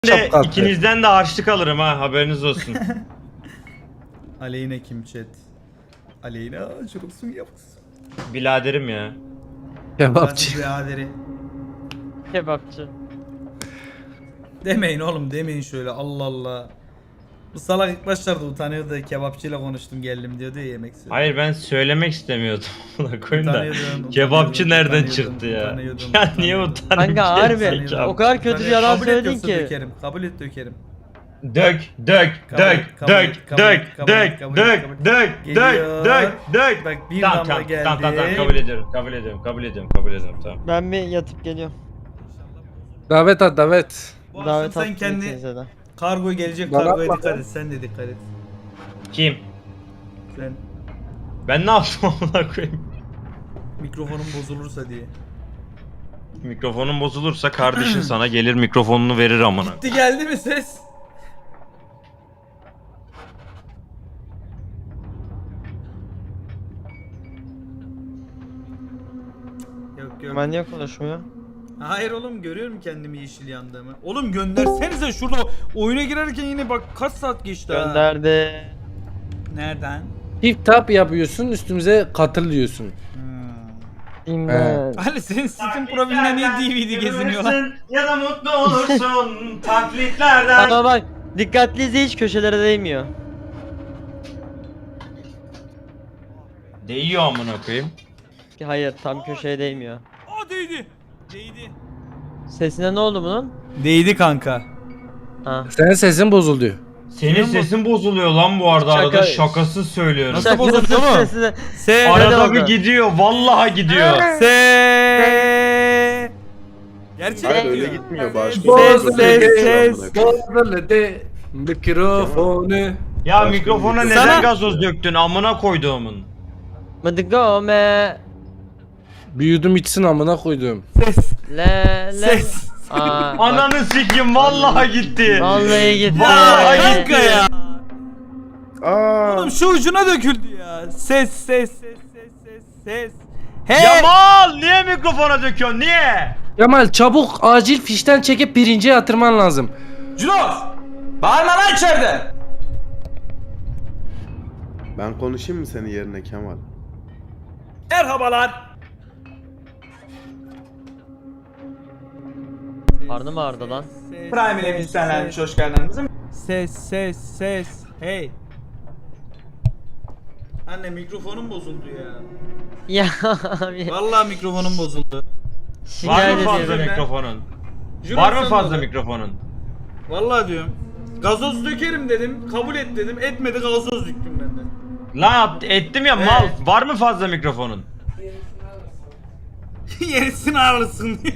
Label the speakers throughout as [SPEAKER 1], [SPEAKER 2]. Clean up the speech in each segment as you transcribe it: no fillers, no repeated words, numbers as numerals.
[SPEAKER 1] Şapkası.
[SPEAKER 2] İkinizden de harçlık alırım ha, haberiniz olsun.
[SPEAKER 3] Aleyna kim chat? Aleyna çocuksun yapsın.
[SPEAKER 2] Biladerim ya.
[SPEAKER 1] Kebapçı.
[SPEAKER 3] Biraderi.
[SPEAKER 4] Kebapçı.
[SPEAKER 3] Demeyin oğlum, demeyin şöyle, Allah Allah. Bu salak ilk başlarda utanıyordu, kebapçıyla konuştum geldim diyordu ya, yemek söyledi.
[SPEAKER 2] Hayır, ben söylemek istemiyordum. Buna koyun da.
[SPEAKER 3] Utanıyordum,
[SPEAKER 2] Kebapçı nereden
[SPEAKER 3] utanıyordum,
[SPEAKER 2] çıktı ya?
[SPEAKER 3] utanıyordum,
[SPEAKER 2] Ya niye
[SPEAKER 3] utanıyordum.
[SPEAKER 2] utanayım?
[SPEAKER 4] Kanka harbi,
[SPEAKER 2] Gerizekalı.
[SPEAKER 4] o kadar kötü bir yalan
[SPEAKER 3] Kabul et
[SPEAKER 4] söyledin
[SPEAKER 3] yoksa
[SPEAKER 4] ki.
[SPEAKER 3] Dökerim. Kabul et dökerim.
[SPEAKER 2] Dök, dök,
[SPEAKER 3] Kabul et,
[SPEAKER 2] dök,
[SPEAKER 3] kabul
[SPEAKER 2] dök,
[SPEAKER 3] et, kabul
[SPEAKER 2] dök,
[SPEAKER 3] et, kabul
[SPEAKER 2] dök,
[SPEAKER 3] et, kabul et,
[SPEAKER 2] dök,
[SPEAKER 3] kabul et.
[SPEAKER 2] dök,
[SPEAKER 3] Geliyor.
[SPEAKER 2] dök, dök.
[SPEAKER 3] Bak bir
[SPEAKER 2] Tamam,
[SPEAKER 3] damla
[SPEAKER 2] tamam,
[SPEAKER 3] geldi.
[SPEAKER 2] tamam, kabul ediyorum, kabul ediyorum, kabul ediyorum, kabul ediyorum, tamam.
[SPEAKER 4] Ben bir yatıp geliyorum.
[SPEAKER 1] Davet at davet.
[SPEAKER 3] Bu akşam
[SPEAKER 4] Davet
[SPEAKER 3] sen
[SPEAKER 4] attım
[SPEAKER 3] kendi
[SPEAKER 4] ikinize de.
[SPEAKER 3] kargo gelecek,
[SPEAKER 1] Bana
[SPEAKER 3] kargoya
[SPEAKER 1] atma
[SPEAKER 3] dikkat
[SPEAKER 1] lan.
[SPEAKER 3] et, sen de dikkat et.
[SPEAKER 2] Kim?
[SPEAKER 3] Sen
[SPEAKER 2] Ben ne yaptım amına koyayım?
[SPEAKER 3] mikrofonun bozulursa diye.
[SPEAKER 2] Mikrofonun bozulursa kardeşin sana gelir mikrofonunu verir amına.
[SPEAKER 3] Gitti geldi mi ses? Yok yok.
[SPEAKER 4] Ben niye konuşmuyor?
[SPEAKER 3] Hayır oğlum, görüyorum kendimi yeşil yandığımı. Oğlum göndersenize şurada, oyuna girerken yine bak kaç saat geçti ha.
[SPEAKER 4] Gönderdi.
[SPEAKER 3] Nereden?
[SPEAKER 1] Çift tap yapıyorsun, üstümüze katıl diyorsun.
[SPEAKER 4] İmdat.
[SPEAKER 3] Ali senin Steam profilinde niye DVD geziniyor lan?
[SPEAKER 2] Ya da mutlu olursun taklitlerden.
[SPEAKER 4] Ama bak dikkatli izle, hiç köşelere değmiyor.
[SPEAKER 2] Değiyor amına koyayım.
[SPEAKER 4] Hayır, tam köşeye değmiyor.
[SPEAKER 3] Aa değdi. Değdi.
[SPEAKER 4] Sesine ne oldu bunun?
[SPEAKER 3] Değdi kanka.
[SPEAKER 4] Ha.
[SPEAKER 1] Senin sesin bozuldu.
[SPEAKER 2] Senin sesin bozuluyor lan bu arada, arada
[SPEAKER 4] Şaka-
[SPEAKER 2] şakasız söylüyorum.
[SPEAKER 3] Nasıl bozuldu mu?
[SPEAKER 4] Sesine...
[SPEAKER 3] Se
[SPEAKER 2] Arada
[SPEAKER 4] oldu?
[SPEAKER 2] bir gidiyor, vallahi gidiyor.
[SPEAKER 3] Se Gerçek
[SPEAKER 5] Hayır
[SPEAKER 3] mi?
[SPEAKER 5] öyle gitmiyor, başka
[SPEAKER 3] Ses.
[SPEAKER 1] Bozuldu mikrofonu.
[SPEAKER 2] Ya mikrofona neden
[SPEAKER 3] Sana-
[SPEAKER 2] gazoz döktün amına koyduğumun?
[SPEAKER 4] Mıdıgome.
[SPEAKER 1] Bir yudum içsin amına koydum.
[SPEAKER 3] Ses.
[SPEAKER 4] Le le.
[SPEAKER 3] Ses.
[SPEAKER 4] Aa, bak.
[SPEAKER 2] Ananı sikim, vallahi gitti.
[SPEAKER 4] Vallahi gitti.
[SPEAKER 2] Vallahi
[SPEAKER 3] Kanka ya.
[SPEAKER 5] Aa,
[SPEAKER 3] Oğlum şu ucuna döküldü ya. Ses. Hey.
[SPEAKER 2] Yamal, niye mikrofona döküyorsun, niye?
[SPEAKER 1] Kemal çabuk acil fişten çekip birinciye yatırman lazım.
[SPEAKER 3] Junos. Bağırma lan içeride.
[SPEAKER 5] ben konuşayım mı senin yerine Kemal?
[SPEAKER 3] Merhabalar.
[SPEAKER 4] Karnım ağrıdı lan.
[SPEAKER 6] Prime ile müstenlenmiş hoş geldiniz.
[SPEAKER 3] Ses. Hey. Anne mikrofonum bozuldu ya.
[SPEAKER 4] Ya abi.
[SPEAKER 3] Vallahi mikrofonum bozuldu.
[SPEAKER 2] Var
[SPEAKER 4] Şikayet
[SPEAKER 2] mı fazla
[SPEAKER 4] ediyorum.
[SPEAKER 2] mikrofonun?
[SPEAKER 3] Junos
[SPEAKER 2] Var mı
[SPEAKER 3] sen
[SPEAKER 2] fazla
[SPEAKER 3] de-
[SPEAKER 2] mikrofonun?
[SPEAKER 3] Vallahi diyorum. Gazoz dökerim dedim. Kabul et dedim. Etmedi, gazoz döktüm ben de.
[SPEAKER 2] Lan ettim ya mal. Var mı fazla mikrofonun?
[SPEAKER 3] Yerisini ağrısın diye.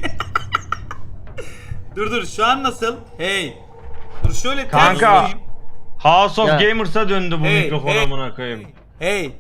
[SPEAKER 3] dur şu an nasıl? Hey. Dur şöyle ters
[SPEAKER 2] Kanka.
[SPEAKER 3] koyayım.
[SPEAKER 2] House of
[SPEAKER 4] Ya.
[SPEAKER 2] Gamers'a döndü bu
[SPEAKER 3] Hey,
[SPEAKER 2] mikrofon
[SPEAKER 3] hey,
[SPEAKER 2] amına koyayım.
[SPEAKER 3] Hey.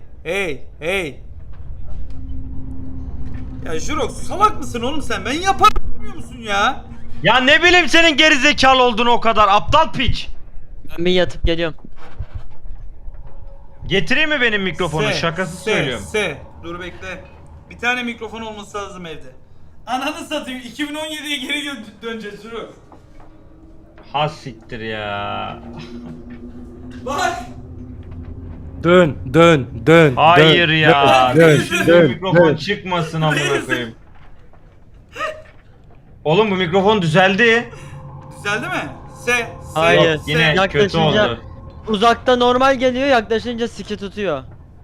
[SPEAKER 3] Ya Jurok salak mısın oğlum sen? Ben yaparım bilmiyor musun ya?
[SPEAKER 2] Ya ne bileyim senin gerizekalı olduğunu o kadar, aptal piç.
[SPEAKER 4] Ben bir yatıp geliyorum.
[SPEAKER 2] Getireyim mi benim mikrofonu?
[SPEAKER 3] Se,
[SPEAKER 2] Şakasız
[SPEAKER 3] se,
[SPEAKER 2] söylüyorum.
[SPEAKER 3] Se. Dur bekle. Bir tane mikrofon olması lazım evde. Ananı satayım. 2017'ye geri döneceğiz Jurok.
[SPEAKER 2] Ha siktir ya.
[SPEAKER 3] Bak.
[SPEAKER 1] Dön.
[SPEAKER 2] Hayır ya.
[SPEAKER 1] Dön,
[SPEAKER 2] Şu
[SPEAKER 1] dön,
[SPEAKER 2] mikrofon
[SPEAKER 1] dön.
[SPEAKER 2] çıkmasın amına koyayım. Oğlum bu mikrofon düzeldi.
[SPEAKER 3] Düzeldi mi? Se.
[SPEAKER 4] Hayır.
[SPEAKER 2] Yok, yine kötü
[SPEAKER 4] Yaklaşınca
[SPEAKER 2] oldu.
[SPEAKER 4] uzakta normal geliyor, yaklaşınca siki tutuyor.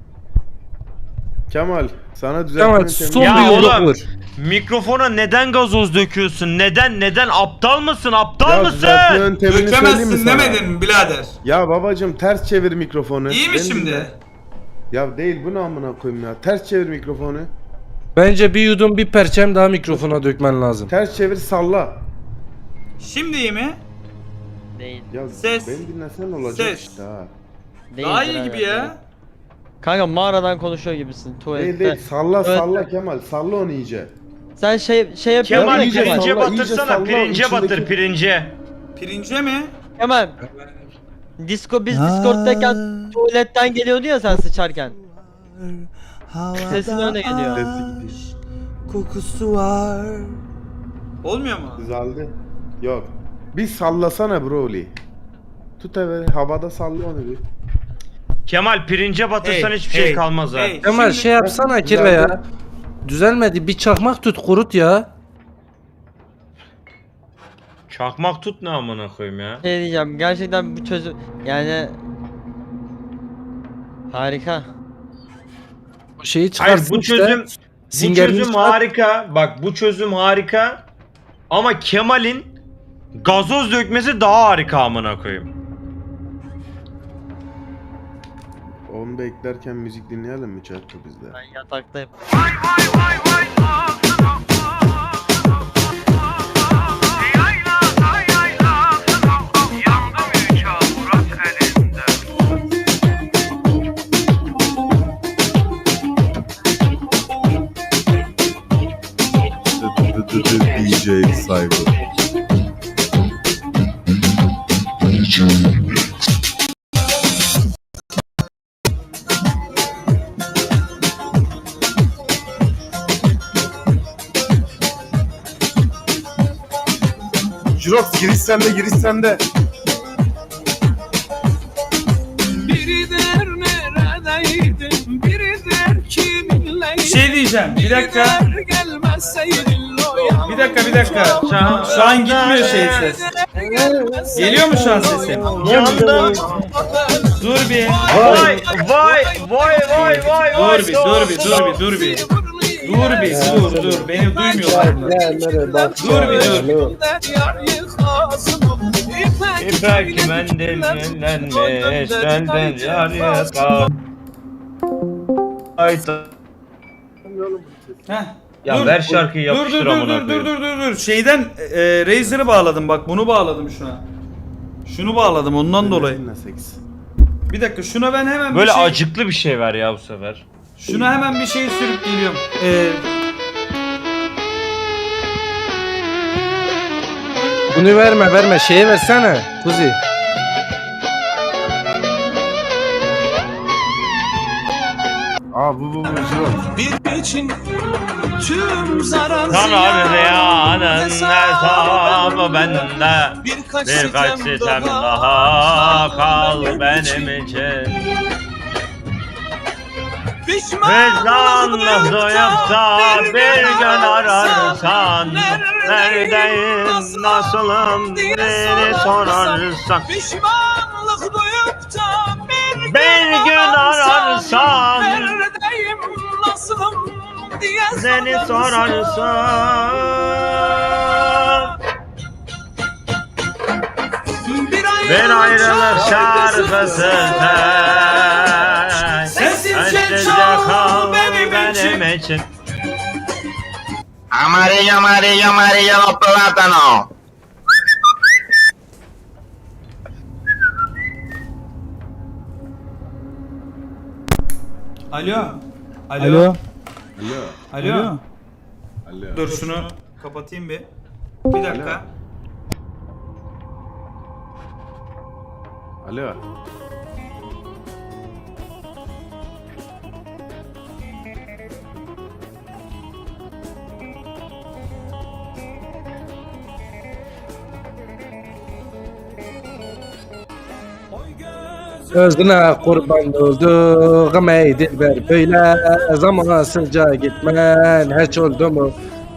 [SPEAKER 5] Kemal sana
[SPEAKER 1] Kemal
[SPEAKER 5] düzeltmenin
[SPEAKER 1] son
[SPEAKER 2] Ya
[SPEAKER 1] bir yumruk
[SPEAKER 2] oğlum.
[SPEAKER 1] vur.
[SPEAKER 2] Mikrofona neden gazoz döküyorsun? Neden? Aptal mısın? Aptal
[SPEAKER 5] Ya
[SPEAKER 2] mısın?
[SPEAKER 5] düzeltme yöntemini söyleyeyim mi
[SPEAKER 3] Dökemezsin
[SPEAKER 5] sana?
[SPEAKER 3] demedin mi birader?
[SPEAKER 5] Ya babacım ters çevir mikrofonu.
[SPEAKER 3] İyi mi
[SPEAKER 5] Beni
[SPEAKER 3] şimdi?
[SPEAKER 5] dinle. Ya değil, bu ne amına koyayım ya. Ters çevir mikrofonu.
[SPEAKER 1] Bence bir yudum bir perçem daha mikrofona dökmen lazım.
[SPEAKER 5] Ters çevir, salla.
[SPEAKER 3] Şimdi iyi mi?
[SPEAKER 4] Değil.
[SPEAKER 5] Ya
[SPEAKER 3] Ses.
[SPEAKER 5] beni dinlesen olacak
[SPEAKER 3] Ses.
[SPEAKER 5] işte ha.
[SPEAKER 4] Değil
[SPEAKER 3] Daha iyi
[SPEAKER 4] birader,
[SPEAKER 3] gibi
[SPEAKER 4] değil.
[SPEAKER 3] ya.
[SPEAKER 4] Kanka mağaradan konuşuyor gibisin
[SPEAKER 5] Değil
[SPEAKER 4] tuvalette.
[SPEAKER 5] değil, salla
[SPEAKER 4] Evet.
[SPEAKER 5] salla Kemal. Salla onu iyice.
[SPEAKER 4] Sen şey yapıyor
[SPEAKER 2] Kemal
[SPEAKER 4] musun
[SPEAKER 5] iyice
[SPEAKER 2] pirince
[SPEAKER 5] salla, iyice
[SPEAKER 2] batırsana.
[SPEAKER 5] salla,
[SPEAKER 2] Pirince
[SPEAKER 5] içindeki-
[SPEAKER 2] batır, pirince.
[SPEAKER 3] Pirince mi?
[SPEAKER 4] Kemal. Biz Discord'dayken tuvaletten geliyordu ya sen sıçarken. Sesin öyle geliyor.
[SPEAKER 5] Sesi gidiyor.
[SPEAKER 3] Kokusu var. Olmuyor mu?
[SPEAKER 5] Düzeldi. Yok. Bir sallasana Broly. Tut evet havada salla onu bir.
[SPEAKER 2] Kemal pirince batırsan
[SPEAKER 3] Hey,
[SPEAKER 2] hiçbir şey
[SPEAKER 3] hey,
[SPEAKER 2] kalmaz ha.
[SPEAKER 3] hey.
[SPEAKER 1] Kemal
[SPEAKER 3] Şimdi-
[SPEAKER 1] şey yapsana kirve ya. Düzelmedi. Bir çakmak tut kurut ya.
[SPEAKER 2] Çakmak tut ne amına koyayım ya.
[SPEAKER 4] Şey diyeceğim, gerçekten bu çözüm yani harika.
[SPEAKER 1] O şeyi
[SPEAKER 2] Hayır
[SPEAKER 1] çıkarsın
[SPEAKER 2] bu
[SPEAKER 1] işte.
[SPEAKER 2] çözüm
[SPEAKER 1] Zingerini çıkart.
[SPEAKER 2] harika. Bak bu çözüm harika. Ama Kemal'in gazoz dökmesi daha harika amına koyayım.
[SPEAKER 5] Onu beklerken müzik dinleyelim mi chatte bizde?
[SPEAKER 4] Ben yataktayım.
[SPEAKER 7] DJ Cyber.
[SPEAKER 5] Jirox giriş sende giriş sende.
[SPEAKER 8] Biri der neredeydin, biri der kiminleydin.
[SPEAKER 3] Bir şey diyeceğim. Bir dakika.
[SPEAKER 8] Gelmezseydin o yan.
[SPEAKER 3] Bir dakika. Şu an gitmiyor şey ses. Geliyor mu şu an sesim?
[SPEAKER 2] Yandım.
[SPEAKER 3] Dur bir.
[SPEAKER 2] Vay vay vay vay vay vay.
[SPEAKER 3] Dur bir. Dur beni duymuyorlar bunlar. Dur bir dur.
[SPEAKER 2] İpek mendil yenilenmiş benden yar yakar. Ayta.
[SPEAKER 3] Heh.
[SPEAKER 2] Ya
[SPEAKER 3] Dur.
[SPEAKER 2] ver şarkıyı yapıştır amına koyayım.
[SPEAKER 3] Dur. Şeyden Razer'ı bağladım bak bunu bağladım şuna. Şunu bağladım ondan dolayı. Bir dakika şuna ben hemen
[SPEAKER 2] Böyle
[SPEAKER 3] bir şey,
[SPEAKER 2] acıklı bir şey ver ya bu sefer.
[SPEAKER 3] şuna hemen bir şey sürüp geliyorum.
[SPEAKER 1] Bunu verme. Şeye versene. Kuzi.
[SPEAKER 5] Aa bu Jirox.
[SPEAKER 8] Bir için tüm zarar
[SPEAKER 2] Sana ziyanın
[SPEAKER 8] hesabı
[SPEAKER 2] hesabı bende.
[SPEAKER 8] Birkaç
[SPEAKER 2] Sitem daha kal benim için. Vicdanla doyup da bir gün ararsan neredeyim, nasılım beni sorarsan.
[SPEAKER 8] Pişmanlık duyup da
[SPEAKER 2] Bir gün ararsan
[SPEAKER 8] neredeyim, nasılım diye
[SPEAKER 2] seni sorarsan. Bir ayrılık şarkısı
[SPEAKER 3] Sessizce
[SPEAKER 2] kal benim için.
[SPEAKER 9] Amarillo, amarillo, amarillo los plátanos.
[SPEAKER 3] Alo.
[SPEAKER 5] Alo.
[SPEAKER 3] Alo.
[SPEAKER 5] Alo.
[SPEAKER 3] Dur şunu kapatayım bir. Bir dakika.
[SPEAKER 5] Alo.
[SPEAKER 1] Özüne kurban olduğum ey dilber böyle zamansızca gitmen hiç oldu mu?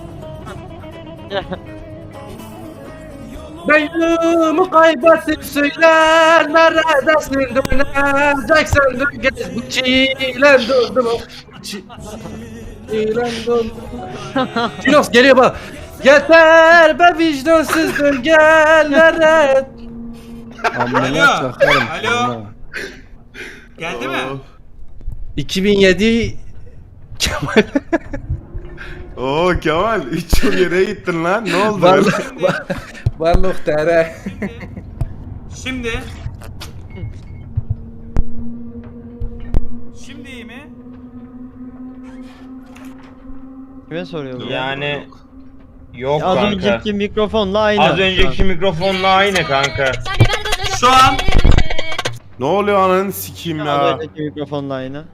[SPEAKER 1] Ben yolumu kaybettim söyle neredesin döneceksen dön gez bu çilen doldu mu? Çilen doldu mu? Cinos geliyor bak. Yeter be vicdansız dön gel nerede?
[SPEAKER 3] Alo. Alo. Geldi mi?
[SPEAKER 1] 2007 Kemal
[SPEAKER 5] Oo Kemal 3 yıl yere gittin lan. Ne oldu?
[SPEAKER 1] Varlık tere.
[SPEAKER 3] Şimdi iyi mi?
[SPEAKER 4] Kime soruyor bu?
[SPEAKER 2] Yani yok
[SPEAKER 4] Az
[SPEAKER 2] kanka.
[SPEAKER 4] önceki mikrofonla aynı.
[SPEAKER 2] Az önceki mikrofonla aynı kanka.
[SPEAKER 3] Şu an
[SPEAKER 5] Ne oluyor ananı sikeyim
[SPEAKER 4] Az
[SPEAKER 5] ya.
[SPEAKER 4] önceki mikrofonla aynı.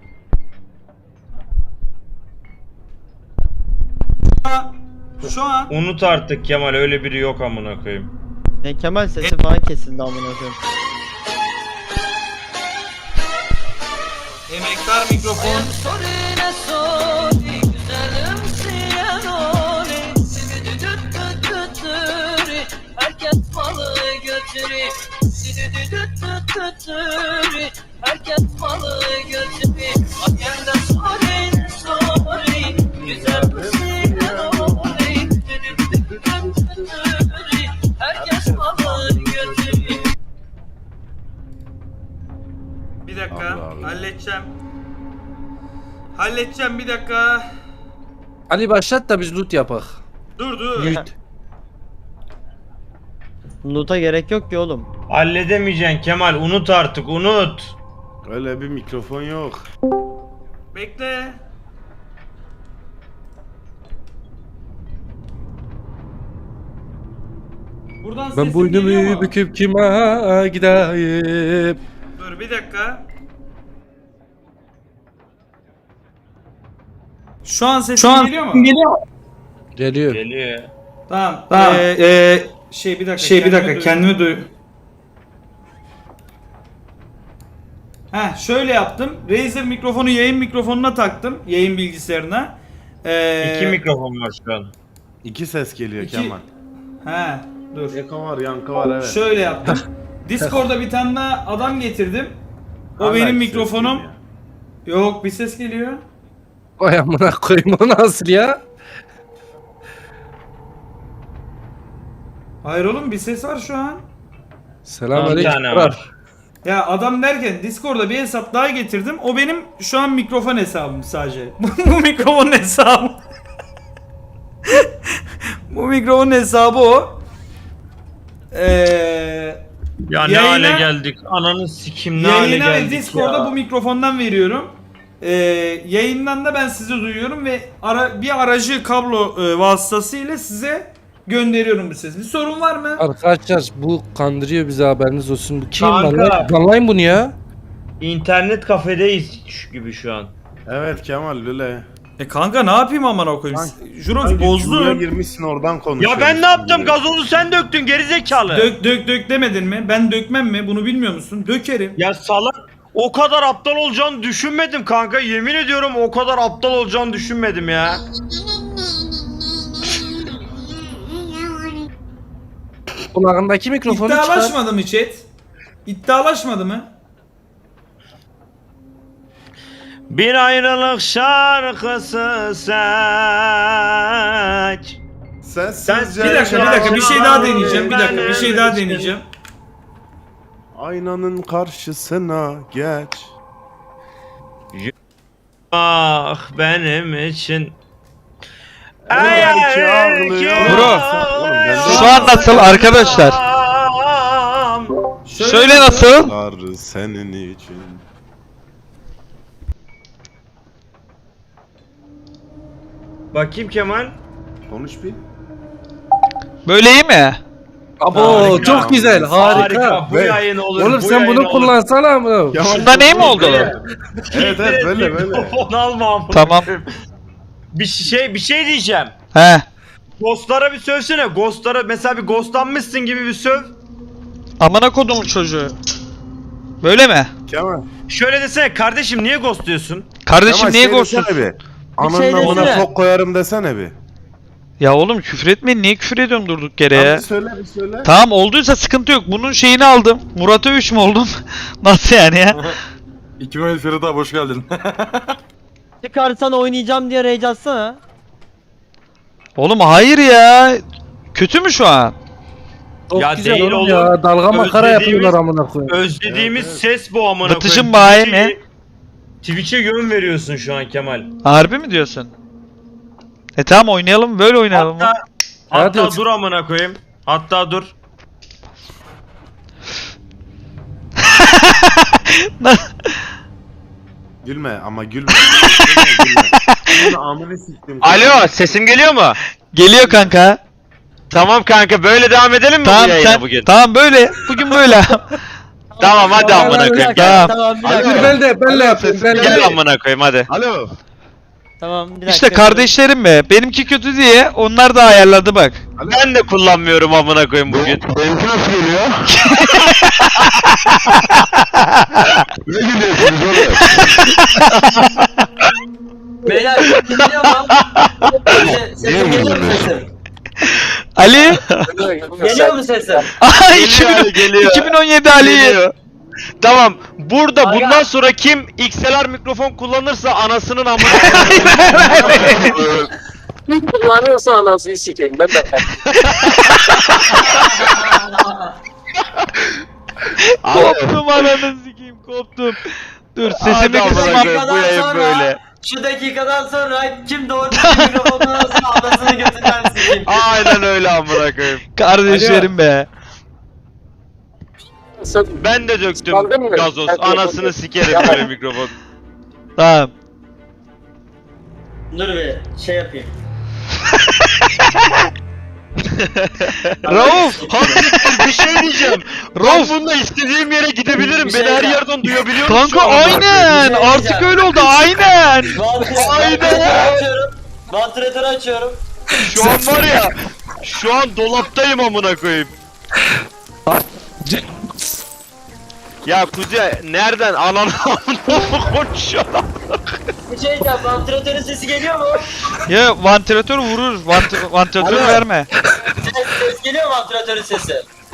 [SPEAKER 3] şu an
[SPEAKER 2] Unut artık Kemal, öyle biri yok amına koyayım.
[SPEAKER 4] Ne Kemal sesi falan kesildi amına koyayım.
[SPEAKER 3] Emektar mikrofon.
[SPEAKER 8] Sorine sori güzelim siyanori Sidi düdüt düt düt düri herkes malı götürü Sidi düdüt düt düt düri herkes malı götürü Hakemde sorine sori güzelim siyanori Sidi düdüt düt düt düri herkes malı götürü.
[SPEAKER 3] Bir dakika.
[SPEAKER 5] Allah Allah.
[SPEAKER 3] Halledeceğim bir dakika.
[SPEAKER 1] Ali başlat da biz loot yapak.
[SPEAKER 3] Dur.
[SPEAKER 4] Loot'a gerek yok ki oğlum.
[SPEAKER 2] Halledemeyeceksin Kemal, unut artık, unut.
[SPEAKER 5] Öyle bir mikrofon yok.
[SPEAKER 3] Bekle. Buradan sesim
[SPEAKER 1] Ben
[SPEAKER 3] geliyor
[SPEAKER 1] boynumu
[SPEAKER 3] mu?
[SPEAKER 1] büküp kime gideyim?
[SPEAKER 3] Dur bir dakika. Şu an sesim geliyor mu?
[SPEAKER 1] Geliyor.
[SPEAKER 2] Geliyor.
[SPEAKER 3] Tamam. Bir dakika.
[SPEAKER 6] kendimi
[SPEAKER 3] Kendimi duy. Şöyle yaptım. Razer mikrofonu yayın mikrofonuna taktım. Yayın bilgisayarına.
[SPEAKER 2] 2 mikrofon var şu an.
[SPEAKER 5] 2 ses geliyor
[SPEAKER 3] İki-
[SPEAKER 5] Kemal.
[SPEAKER 3] Dur.
[SPEAKER 5] Eko var, yankı var, evet.
[SPEAKER 3] Şöyle yaptım. Discord'da bir tane daha adam getirdim. O
[SPEAKER 5] Hala
[SPEAKER 3] benim
[SPEAKER 5] ses
[SPEAKER 3] mikrofonum.
[SPEAKER 5] geliyor.
[SPEAKER 3] Yok bir ses geliyor.
[SPEAKER 1] Vay amına koyayım, o nasıl ya?
[SPEAKER 3] Hayır oğlum bir ses var şu an.
[SPEAKER 2] Bir
[SPEAKER 1] Selamünaleyküm.
[SPEAKER 2] tane var.
[SPEAKER 3] Ya adam derken Discord'da bir hesap daha getirdim. O benim şu an mikrofon hesabım sadece. Bu mikrofonun hesabı. Bu mikrofonun hesabı o.
[SPEAKER 2] Ya ne
[SPEAKER 3] Yayına-
[SPEAKER 2] hale geldik? Ananı sikim ne hale
[SPEAKER 3] Yayına ve
[SPEAKER 2] geldik
[SPEAKER 3] Discord'da
[SPEAKER 2] ya.
[SPEAKER 3] bu mikrofondan veriyorum. Yayından da ben sizi duyuyorum ve bir aracı kablo vasıtasıyla size gönderiyorum bu sesi. Bir sorun var mı?
[SPEAKER 1] Arkadaşlar bu kandırıyor bizi, haberiniz olsun. Bu kim
[SPEAKER 2] Kanka.
[SPEAKER 1] lan? Banlayın bunu ya.
[SPEAKER 2] İnternet kafedeyiz gibi şu an.
[SPEAKER 5] Evet Kemal öyle.
[SPEAKER 3] Kanka ne yapayım amına koyayım? Jurox
[SPEAKER 5] Buraya
[SPEAKER 3] bozdu.
[SPEAKER 5] girmişsin oradan
[SPEAKER 2] Ya
[SPEAKER 5] konuşuyorsun.
[SPEAKER 2] ben ne yaptım?
[SPEAKER 5] gibi.
[SPEAKER 2] Gazozu sen döktün gerizekalı.
[SPEAKER 3] Dök demedin mi? Ben dökmem mi? Bunu bilmiyor musun? Dökerim.
[SPEAKER 2] Ya salak. O kadar aptal olacağını düşünmedim kanka. Yemin ediyorum o kadar aptal olacağını düşünmedim ya.
[SPEAKER 1] Kulağındaki mikrofonu çıkar.
[SPEAKER 3] İddialaşmadı mı chat? İddialaşmadı mı?
[SPEAKER 2] Bir ayrılık şarkısı seç.
[SPEAKER 5] Sessizce
[SPEAKER 3] Bir dakika bir şey daha deneyeceğim. Bir şey daha
[SPEAKER 2] Benim
[SPEAKER 3] deneyeceğim.
[SPEAKER 5] Aynanın karşısına geç.
[SPEAKER 2] Ah benim için.
[SPEAKER 5] Belki ağlıyor.
[SPEAKER 10] Bro,
[SPEAKER 5] Oğlum, ben de-
[SPEAKER 10] şu an nasıl arkadaşlar? Söyle nasıl?
[SPEAKER 5] Tanrı senin için.
[SPEAKER 2] Bakayım Kemal.
[SPEAKER 5] Konuş bir.
[SPEAKER 10] Böyle iyi mi?
[SPEAKER 1] Abo
[SPEAKER 2] Harika.
[SPEAKER 1] çok güzel, harika.
[SPEAKER 2] Bu yayın olur.
[SPEAKER 1] Oğlum
[SPEAKER 2] bu
[SPEAKER 1] sen
[SPEAKER 2] yayın
[SPEAKER 1] bunu
[SPEAKER 2] olur.
[SPEAKER 1] kullansana mı?
[SPEAKER 5] Kemal,
[SPEAKER 10] Şunda ne mi oldu?
[SPEAKER 5] Evet böyle.
[SPEAKER 2] Mikrofon alma amına
[SPEAKER 10] Tamam.
[SPEAKER 2] koyayım. Bir şey diyeceğim.
[SPEAKER 10] He.
[SPEAKER 2] Ghostlara bir sövsene. Ghostlara mesela bir ghostlanmışsın gibi bir söv.
[SPEAKER 10] Amına kodumun çocuğu. Böyle mi?
[SPEAKER 5] Kemal.
[SPEAKER 2] Şöyle desene kardeşim niye ghostluyorsun?
[SPEAKER 10] Kardeşim
[SPEAKER 5] Kemal,
[SPEAKER 10] niye
[SPEAKER 5] şey
[SPEAKER 10] ghostluyorsun?
[SPEAKER 5] desene bir.
[SPEAKER 4] şey
[SPEAKER 5] Ananın amına
[SPEAKER 4] desene.
[SPEAKER 5] sok koyarım desene bir.
[SPEAKER 10] Ya oğlum küfür etmeyin. Niye küfür ediyorum durduk yere
[SPEAKER 5] Tamam,
[SPEAKER 10] ya?
[SPEAKER 5] bir söyle.
[SPEAKER 10] Tamam olduysa sıkıntı yok. Bunun şeyini aldım. Murat'a 3 mü oldum? Nasıl yani ya?
[SPEAKER 7] 2000 Ferit abi hoş geldin.
[SPEAKER 4] Çıkarsan oynayacağım diye rage atsana.
[SPEAKER 10] Oğlum hayır ya. Kötü mü şu an?
[SPEAKER 1] Çok
[SPEAKER 2] Ya
[SPEAKER 1] güzel
[SPEAKER 2] değil
[SPEAKER 1] oğlum
[SPEAKER 2] oğlum.
[SPEAKER 1] ya. Dalga makara
[SPEAKER 2] Özlediğimiz-
[SPEAKER 1] yapıyorlar amına koyayım.
[SPEAKER 2] Özlediğimiz
[SPEAKER 5] Evet,
[SPEAKER 2] ses bu amına
[SPEAKER 10] Batıcım
[SPEAKER 2] koyayım.
[SPEAKER 10] bayi mi?
[SPEAKER 2] Twitch'e yön veriyorsun şu an Kemal.
[SPEAKER 10] Harbi mi diyorsun? Tamam oynayalım. Böyle oynayalım.
[SPEAKER 2] Hatta
[SPEAKER 1] Hadi.
[SPEAKER 2] dur amına koyayım. Hatta dur.
[SPEAKER 5] Gülme ama gülme. Gülme. Amını siktim.
[SPEAKER 9] Alo, sesim geliyor mu?
[SPEAKER 10] Geliyor kanka.
[SPEAKER 9] Tamam kanka, böyle devam edelim mi
[SPEAKER 10] Tamam
[SPEAKER 9] bu yayına
[SPEAKER 10] sen.
[SPEAKER 9] bugün?
[SPEAKER 10] Tamam böyle. Bugün böyle.
[SPEAKER 9] Tamam hadi amına koyayım.
[SPEAKER 10] Tamam.
[SPEAKER 4] Tamam bir
[SPEAKER 1] Dur
[SPEAKER 4] dakika.
[SPEAKER 1] ben de yapayım. Ben
[SPEAKER 9] Gel
[SPEAKER 1] de.
[SPEAKER 9] amına koyayım hadi.
[SPEAKER 5] Alo.
[SPEAKER 4] Tamam bir dakika.
[SPEAKER 10] İşte kardeşlerim be. Benimki kötü diye onlar da ayarladı bak.
[SPEAKER 9] Ben de kullanmıyorum amına koyayım bugün.
[SPEAKER 5] Benimki nasıl geliyor? Ne gülüyorsunuz oğlum?
[SPEAKER 8] Beyler geliyor mu? Sesim geliyor mu sesim?
[SPEAKER 10] Ali.
[SPEAKER 8] Geliyor mu sesim?
[SPEAKER 10] Aha,
[SPEAKER 9] Geliyor Ali, geliyor.
[SPEAKER 10] 2017 Ali.
[SPEAKER 9] Geliyor. Tamam. Burada
[SPEAKER 8] Aga.
[SPEAKER 9] bundan sonra kim XLR mikrofon kullanırsa anasının amına
[SPEAKER 8] Kullanıyorsa anasını sikeyim ben de.
[SPEAKER 10] Koptum ananı sikeyim koptum. Dur sesimi
[SPEAKER 9] Hadi amına
[SPEAKER 10] kısmam.
[SPEAKER 9] koyayım, bu yayın böyle.
[SPEAKER 8] Şu dakikadan sonra kim doğru düzgün mikrofonu alırsa anasını götünden sikeyim.
[SPEAKER 9] Aynen öyle amına koyayım.
[SPEAKER 10] Kardeşlerim be.
[SPEAKER 9] Ben de döktüm
[SPEAKER 8] Kaldın mı?
[SPEAKER 9] gazoz.
[SPEAKER 8] Hadi
[SPEAKER 9] Anasını
[SPEAKER 8] yapalım.
[SPEAKER 9] sikerim böyle mikrofon.
[SPEAKER 10] Tamam.
[SPEAKER 8] Dur bir şey yapayım.
[SPEAKER 10] Rauf.
[SPEAKER 9] Hakikaten bir şey diyeceğim. Ben
[SPEAKER 10] Rauf.
[SPEAKER 9] bununla istediğim yere gidebilirim.
[SPEAKER 8] Bir
[SPEAKER 9] Beni
[SPEAKER 8] şey
[SPEAKER 9] her
[SPEAKER 8] yap.
[SPEAKER 9] yerden duyabiliyorum.
[SPEAKER 10] Kanka
[SPEAKER 9] şu an amına koyayım.
[SPEAKER 10] aynen.
[SPEAKER 8] Bir şey
[SPEAKER 10] Artık
[SPEAKER 8] diyeceğim.
[SPEAKER 10] öyle oldu aynen.
[SPEAKER 8] Vantilatörü açıyorum. Vantilatörü açıyorum.
[SPEAKER 9] Şu an var ya. Şu an dolaptayım amına koyayım. Ya Kuzey nereden ananı amına konuşuyor?
[SPEAKER 8] Bir şey diyeceğim. Vantilatörün sesi geliyor mu?
[SPEAKER 10] Ya vantilatör vurur. Vantilatör
[SPEAKER 8] Alo.
[SPEAKER 10] verme.
[SPEAKER 8] Ses geliyor mu vantilatörün sesi?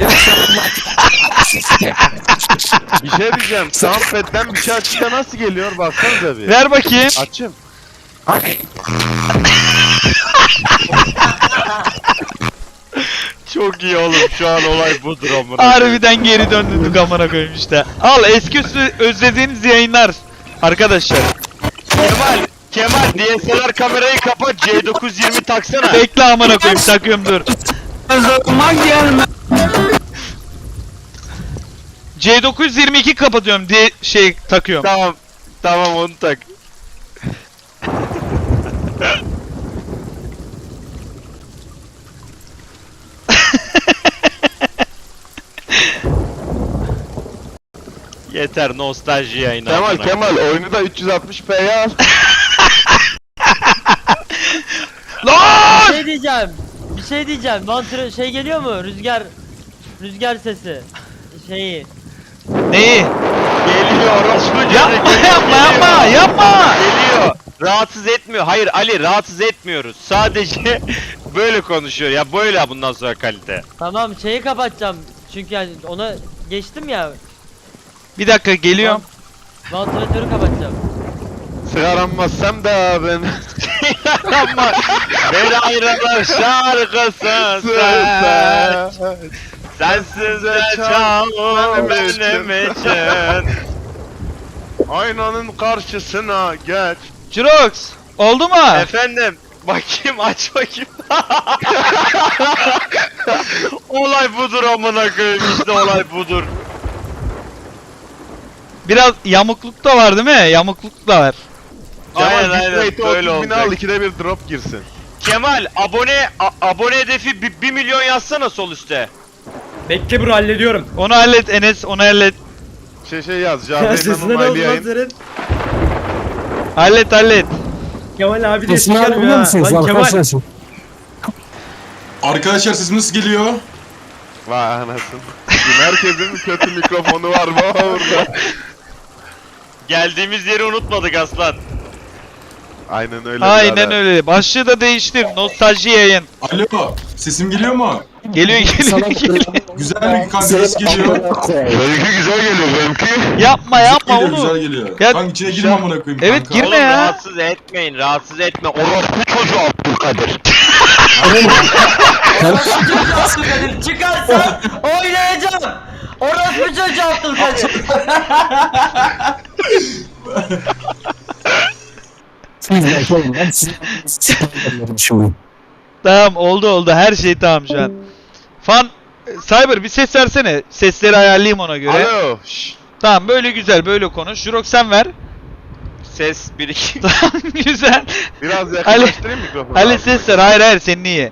[SPEAKER 5] Bir şey diyeceğim. Soundpad'den bir şey açınca nasıl geliyor? Baksanıza bir.
[SPEAKER 10] Ver bakayım.
[SPEAKER 5] Açım.
[SPEAKER 9] Çok iyi oğlum şu an olay budur amına koyayım.
[SPEAKER 10] Harbiden geri döndük amına koyayım işte. Al eski özlediğiniz yayınlar. Arkadaşlar.
[SPEAKER 9] Kemal DSLR kamerayı kapat C920 taksana.
[SPEAKER 10] Bekle amına koyayım takıyorum dur. C922 kapatıyorum diye şey takıyorum.
[SPEAKER 9] Tamam. Tamam onu tak. Yeter nostalji yayını. amına.
[SPEAKER 5] Kemal oyunu da 360p'ye al.
[SPEAKER 10] Lan!
[SPEAKER 4] Bir şey diyeceğim. Şey geliyor mu? Rüzgar sesi. Şeyi.
[SPEAKER 10] Neyi?
[SPEAKER 9] Geliyor orospu
[SPEAKER 10] Yapma
[SPEAKER 9] geliyor,
[SPEAKER 10] yapma yapma
[SPEAKER 9] geliyor.
[SPEAKER 10] yapma.
[SPEAKER 9] Geliyor. Rahatsız etmiyor. Hayır Ali rahatsız etmiyoruz. Sadece böyle konuşuyor. Ya böyle bundan sonra kalite.
[SPEAKER 4] Tamam şeyi kapatacağım. Çünkü yani ona geçtim ya.
[SPEAKER 10] Bir dakika geliyorum.
[SPEAKER 4] Vantilatörü kapatacağım.
[SPEAKER 5] Sigaranmazsam da ben.
[SPEAKER 9] Ama beni ayrılır şarkısı sen. Sensiz de çalım benim için.
[SPEAKER 5] Aynanın karşısına geç.
[SPEAKER 10] Jirox oldu mu?
[SPEAKER 9] Efendim bakayım aç bakayım. Olay budur amına koyayım işte olay budur.
[SPEAKER 10] Biraz yamukluk da var değil mi? Yamukluk da var.
[SPEAKER 9] Aynen
[SPEAKER 5] Kemal
[SPEAKER 9] aynen
[SPEAKER 5] bitrate'i
[SPEAKER 9] böyle
[SPEAKER 5] 30 bin
[SPEAKER 9] olacak.
[SPEAKER 5] al, ikide bir drop girsin.
[SPEAKER 9] Kemal abone hedefi 1 milyon yazsana sol üstte.
[SPEAKER 1] Bekle bro hallediyorum.
[SPEAKER 10] Onu hallet Enes onu hallet.
[SPEAKER 5] Şey yaz. Cahreyn'in onaylı yayın.
[SPEAKER 10] Hallet.
[SPEAKER 1] Kemal abi de çıkarmıyor ha. Lan Kemal.
[SPEAKER 7] Arkadaşlar sesim nasıl geliyor?
[SPEAKER 5] Vay anasın. Bugün herkesin kötü mikrofonu var mı orada?
[SPEAKER 9] Geldiğimiz yeri unutmadık aslan.
[SPEAKER 5] Aynen öyle.
[SPEAKER 10] Aynen
[SPEAKER 5] birader.
[SPEAKER 10] öyle. Başlığı da değiştir. Nostalji yayın.
[SPEAKER 7] Alo, sesim geliyor mu?
[SPEAKER 10] Geliyor.
[SPEAKER 7] Güzel bir kanka ses geliyor.
[SPEAKER 5] Benimki güzel geliyor benimki.
[SPEAKER 10] Yapma
[SPEAKER 7] Geliyor, güzel
[SPEAKER 10] onu.
[SPEAKER 7] geliyor.
[SPEAKER 10] Ya-
[SPEAKER 7] Kanka içine girme amına koyayım
[SPEAKER 10] Evet,
[SPEAKER 7] kanka.
[SPEAKER 10] girme
[SPEAKER 9] Oğlum
[SPEAKER 10] ya.
[SPEAKER 9] rahatsız etmeyin rahatsız etme. Orospu çocuğu Abdülkadir.
[SPEAKER 8] Abdülkadir çıkarsan oynayacağım. Orospu çocuğu Abdülkadir.
[SPEAKER 10] Tamam oldu. Her şey tamam şu an. Fan Cyber bir ses versene. Sesleri ayarlayayım ona göre.
[SPEAKER 5] Alo. Şşş.
[SPEAKER 10] Tamam böyle güzel böyle konuş. Jirox sen ver.
[SPEAKER 9] Ses 1-2.
[SPEAKER 10] Tamam güzel.
[SPEAKER 5] Biraz yakınlaştırayım mikrofonu.
[SPEAKER 10] Ali ses ver. Hayır senin iyi.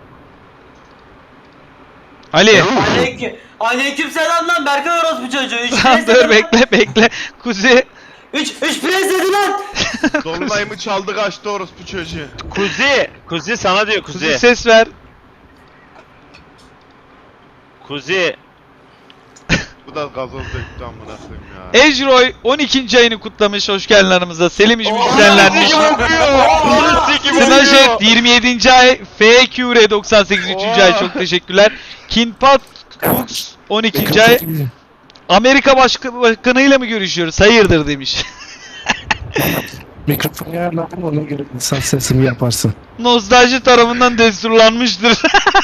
[SPEAKER 10] Ali.
[SPEAKER 8] Aleyküm selam lan Berkay orospu çocuğu.
[SPEAKER 10] Tamam dur bekle. Kuzi.
[SPEAKER 8] 3 prens dedi lan.
[SPEAKER 5] Dolunayımı çaldı kaçtı orospu çocuğu.
[SPEAKER 9] Kuzi sana diyor
[SPEAKER 10] Kuzi
[SPEAKER 9] Kuzi.
[SPEAKER 10] ses ver.
[SPEAKER 9] Kuzi.
[SPEAKER 5] Bu da gazoz döktü amına koyayım ya.
[SPEAKER 10] Ejroy 12. ayını kutlamış. Hoş geldin aramıza. Selim İş müzisyenlenmiş. Snajet 27. ay. FQR 98. 3. ay. Çok teşekkürler. Kinpat Cooks 12. ay. Amerika Başkanı'yla mı görüşüyoruz? Hayırdır demiş.
[SPEAKER 1] Mikrofonu ayarladım, ona göre insan sesimi yaparsın.
[SPEAKER 10] Nostalji tarafından desturlanmıştır.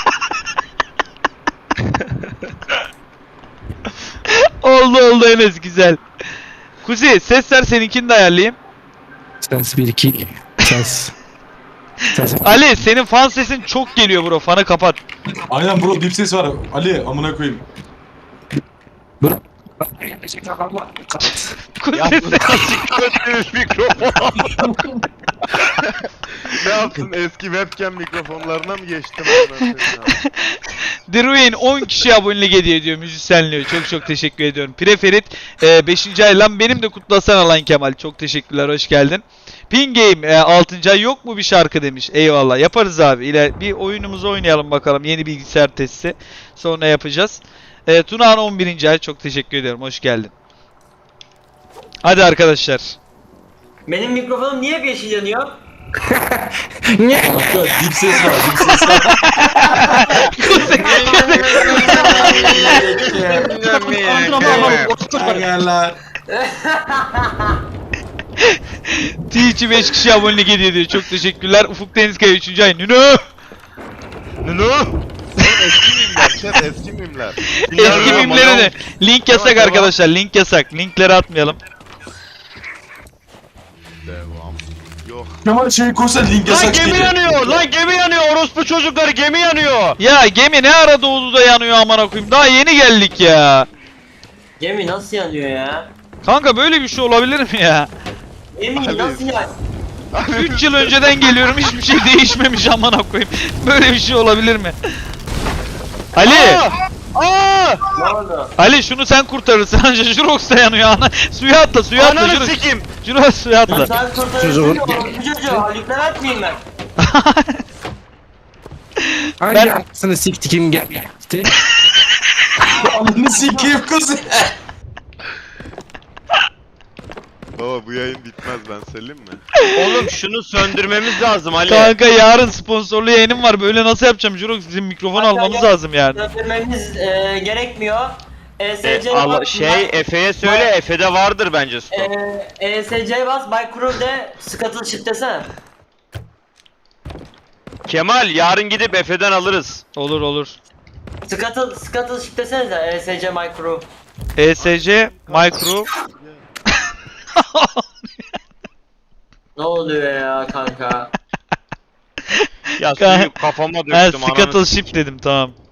[SPEAKER 10] oldu Enes, güzel. Kuzi sesler seninkini de ayarlayayım.
[SPEAKER 1] Ses 1-2. Ses.
[SPEAKER 10] Ali senin fan sesin çok geliyor bro. Fanı kapat.
[SPEAKER 7] Aynen bro, dip ses var. Ali amına koyayım.
[SPEAKER 10] Kuzi
[SPEAKER 5] Ya bu nasıl kötü mikrofon? Ne yaptın, eski webcam mikrofonlarına mı geçtim amına koyayım ya?
[SPEAKER 10] The Ruin 10 kişi abonelik hediye ediyor, müzisyenliği. Çok teşekkür ediyorum. Preferit 5. ay lan, benim de kutlasana lan Kemal. Çok teşekkürler, hoş geldin. Pin Game 6. ay yok mu bir şarkı demiş. Eyvallah, yaparız abi. Bir oyunumuzu oynayalım bakalım. Yeni bilgisayar testi. Sonra yapacağız. Tunağan 11. ay, çok teşekkür ediyorum. Hoş geldin. Hadi arkadaşlar.
[SPEAKER 8] Benim mikrofonum niye hep yeşil yanıyor?
[SPEAKER 7] Kanka dip ses var, dip ses var. Ayarlar.
[SPEAKER 10] Twitch'i 5 kişi abonelik hediye ediyor. Çok teşekkürler. Ufuk Denizkaya 3. ay. Nünü.
[SPEAKER 5] Oğlum eski mimler, chat eski mimler.
[SPEAKER 10] Eski mimleri de. Link yasak arkadaşlar. Link yasak. Linkleri atmayalım.
[SPEAKER 5] Devam. Yok.
[SPEAKER 7] Kemal şey koysa link
[SPEAKER 9] Lan
[SPEAKER 7] yasak
[SPEAKER 9] gemi
[SPEAKER 7] dedi.
[SPEAKER 9] yanıyor. Lan gemi yanıyor. Orospu çocukları gemi yanıyor.
[SPEAKER 10] Ya gemi ne ara doğdu da yanıyor amına koyayım. Daha yeni geldik ya.
[SPEAKER 8] Gemi nasıl yanıyor ya?
[SPEAKER 10] Kanka böyle bir şey olabilir mi ya?
[SPEAKER 8] Gemi nasıl yanıyor?
[SPEAKER 10] 3 yıl önceden geliyorum, hiçbir şey değişmemiş amına koyayım. Böyle bir şey olabilir mi? Ali!
[SPEAKER 9] Aa!
[SPEAKER 8] Ne oldu?
[SPEAKER 10] Ali şunu sen kurtarırsın. Anca Jurox da yanıyor ana. Suya atla, suya atla.
[SPEAKER 9] Ananı
[SPEAKER 10] Jurox.
[SPEAKER 9] sikim.
[SPEAKER 10] Jurox suya atla.
[SPEAKER 8] Sen kurtarırsın ya bu çocuğu. Lütfen atmayayım ben.
[SPEAKER 1] Hangi aklısını siktikim geldi?
[SPEAKER 7] Ananı sikeyim kızı.
[SPEAKER 5] Baba bu yayın bitmez, ben söyleyeyim mi?
[SPEAKER 9] Oğlum şunu söndürmemiz lazım Ali.
[SPEAKER 10] Kanka yarın sponsorlu yayınım var. Böyle nasıl yapacağım Jurox? Bizim mikrofon almamız lazım yani.
[SPEAKER 8] Döndürmemiz gerekmiyor. ESC
[SPEAKER 9] Efe'ye söyle, Efe'de vardır bence stok.
[SPEAKER 8] ESC bas, Bay Crew de Scuttle Shift desene.
[SPEAKER 9] Kemal yarın gidip Efe'den alırız.
[SPEAKER 10] Olur.
[SPEAKER 8] Scuttle Shift desenize ESC My Crew.
[SPEAKER 10] ESC Micro.
[SPEAKER 8] Ne oluyor ya kanka?
[SPEAKER 9] Ya
[SPEAKER 10] Ka-
[SPEAKER 9] suyu kafama
[SPEAKER 10] Ha,
[SPEAKER 9] döktüm ananı.
[SPEAKER 10] Scuttle Ship dedim, tamam.